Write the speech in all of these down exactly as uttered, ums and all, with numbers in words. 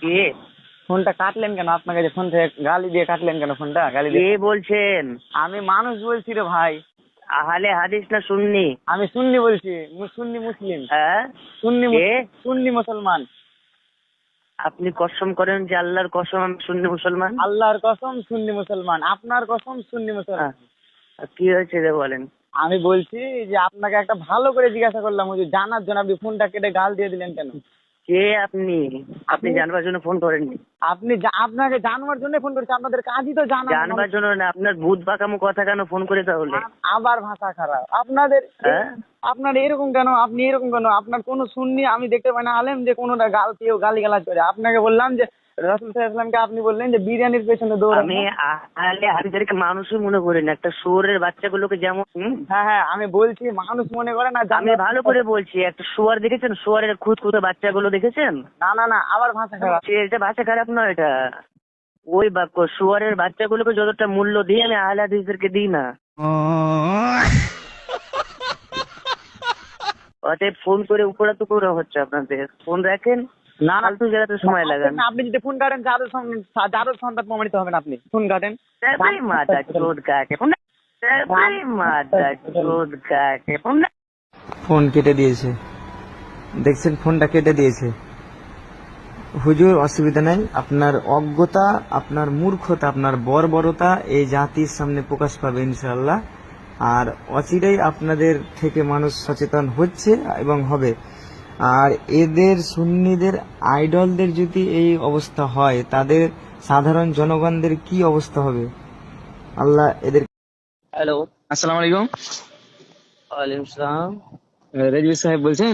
কে? ফোনটা কাটলেন কেন? আপনাকে যে ফোন থেকে গালি দিয়ে কাটলেন কেন ফোনটা? গালি দিয়ে? কে বলছেন? আমি মানুষ বলছি রে ভাই। আহলে হাদিস না সুন্নি? আমি সুন্নি বলছি, মু- সুন্নি মুসলিম। হ্যাঁ, সুন্নি কে? মুস- সুন্নি মুসলমান। আপনি কসম করেন যে আল্লাহর কসম আমি সুন্নি মুসলমান? আল্লাহর কসম সুন্নি মুসলমান, আপনার কসম সুন্নি মুসলমান। আহ, কি হয়েছে রে বলেন? আমি বলছি যে আপনাকে একটা ভালো করে জিজ্ঞাসা করলাম, ওই যে জানার জন্য আপনি ফোনটা কেটে গাল দিয়ে দিলেন কেন? কে আপনি? আপনি জানবার জন্য ফোন করেননি? আপনি জা- আপনাকে জানবার জন্য ফোন করেছি, আপনাদের কাজই তো জানা। জানবার জন্য না, আপনার ভূত বাঁকামো কথা কেন ফোন করে তাহলে? আ- আবার ভাষা খারাপ আপনাদের। হ্যাঁ? আপনার এরকম কেন? আপনি এরকম কেন? আপনার কোন সুন্নি আমি দেখতে পাই না আলেম যে কোনোটা গাল কেউ গালি গালাজ করে। আপনাকে বললাম যে রাসূল সাল্লাল্লাহু আলাইহি ওয়াসাল্লামকে আপনি বললেন যে বিরিয়ানির পেছনে দৌড়ান। আমি আহলে হাদিসদেরকে মানুষই মনে করি না, একটা শুয়োরের বাচ্চাগুলোকে যেমন। হুম? হ্যাঁ হ্যাঁ, আমি বলছি মানুষ মনে করে না। আমি ভালো করে বলছি, একটা শুয়ার দেখেছেন? শুয়ারের খুদ খুদে বাচ্চাগুলো দেখেছেন? না না না, আবার ভাষা খারাপ। সে- এটা ভাষা খারাপ নয়, এটা ওই বাক্য শুয়ারের বাচ্চাগুলোকে যতটা মূল্য দিই আমি আহলে হাদিসদেরকে দিই না। অতএব ফোন করে উপরা তো করে হচ্ছে আপনাদের। ফোন রাখেন, না না, ফালতু জায়গাতে সময় লাগান। আপনি যদি ফোন কাটেন জাদুর সং- জাদুর সন্তান প্রমাণিত হবেন। আপনি ফোন কাটেন। তারপরে মাথা চোদ কাকে ফোন, তারপরে মাথা চোদ কাকে ফোন। ফোন কেটে দিয়েছে, দেখছেন? ফোনটা কেটে দিয়েছে। হুজুর, অসুবিধা নাই, আপনার অজ্ঞতা, আপনার মূর্খতা, আপনার বর্বরতা এই জাতির সামনে প্রকাশ পাবে ইনশাআল্লাহ। আর অচিরেই আপনাদের থেকে মানুষ সচেতন হচ্ছে এবং হবে। আর এদের সুন্নিদের আইডলদের যদি এই অবস্থা হয়, তাদের সাধারণ জনগণদের কি অবস্থা হবে? আল্লাহ এদের। হ্যালো, আসসালামু আলাইকুম। ওয়ালাইকুম সালাম। রেজবি সাহেব বলছেন?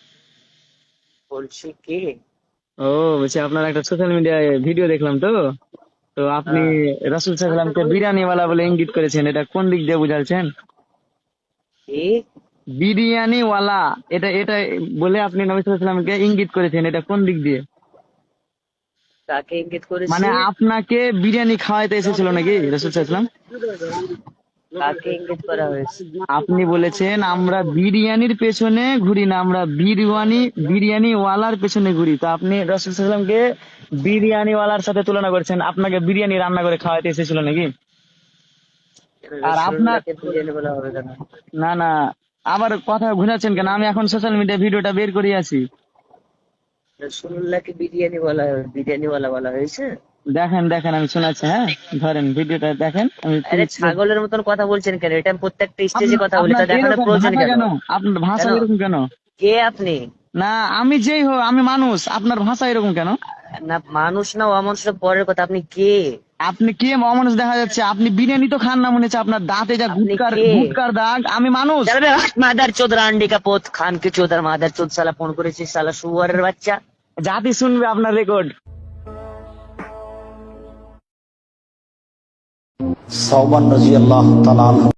বলছি কে? ও, বলছি আপনার একটা সোশ্যাল মিডিয়ায় ভিডিও দেখলাম তো তো আপনি রাসূল সাল্লাল্লাহু আলাইহি ওয়াসাল্লামকে বিরিয়ানিওয়ালা বলে ইঙ্গিত করেছেন, এটা কোন দিক দিয়ে বুঝাচ্ছেন? কে? বিরিয়ানিওয়ালা, এটা এটা বলে আপনি নবী সাল্লাল্লাহু আলাইহি ওয়াসাল্লামকে ইঙ্গিত করেছেন, এটা কোন দিক দিয়ে? কাকে ইঙ্গিত করেছি? মানে আপনাকে বিরিয়ানি খাওয়াইতে এসেছিল নাকি রাসূল সাল্লাল্লাহু আলাইহি ওয়াসাল্লাম? কাকে ইঙ্গিত করা হয়েছে? আপনি বলেছেন আমরা বিরিয়ানির পেছনে ঘুরি না, আমরা বিরিয়ানি বিরিয়ানিওয়ালার পেছনে ঘুরি। তো আপনি রাসূল সাল্লাল্লাহু আলাইহি ওয়াসাল্লামকে বিরিয়ানিওয়ালার সাথে তুলনা করেছেন, আপনাকে বিরিয়ানি রান্না করে খাওয়াইতে এসেছিল নাকি? আর আপনার রাসূলুল্লাহকে বিরিয়ানি বলা হবে কেন? না না, আবার কথা ঘুরাচ্ছেন কেন? আমি এখন সোশ্যাল মিডিয়া ভিডিওটা বের করে আছি, রাসূলুল্লাহকে বিরিয়ানি বলা হবে, বিরিয়ানিওয়ালা বলা হয়েছে? দেখেন দেখেন, আমি শোনাচ্ছি। হ্যাঁ, ধরেন ভিডিওটা দেখেন। আমি আরে ছাগলের মতন কথা বলছেন কেন? এটা আমি প্রত্যেকটা স্টেজে কথা বলি, তা আপনার দেখানোর এরকম প্রয়োজন ভাষা কেন? কেন? আপনার ভাষা কেন? এরকম কেন? কে আপনি? না, আমি যেই হোক, আমি মানুষ, আপনার ভাষা এরকম কেন? না মানুষ না অমানুষ পরের কথা, আপনি কে? আপনি কে অমানুষ দেখা যাচ্ছে? আপনি বিরিয়ানি তো খান না মনে হচ্ছে, আপনার দাঁতে যা আপনি গুটকার কে? গুটকার দাগ। আমি মানুষ। মাদার চোদ রান্ডি কা পোত খান কে চোদার মাদার চোদ সালা ফোন করেছিস সালা শুয়ারের বাচ্চা। জাতি শুনবে আপনার রেকর্ড। সাওবান রাদিয়াল্লাহু তাআলা আনহু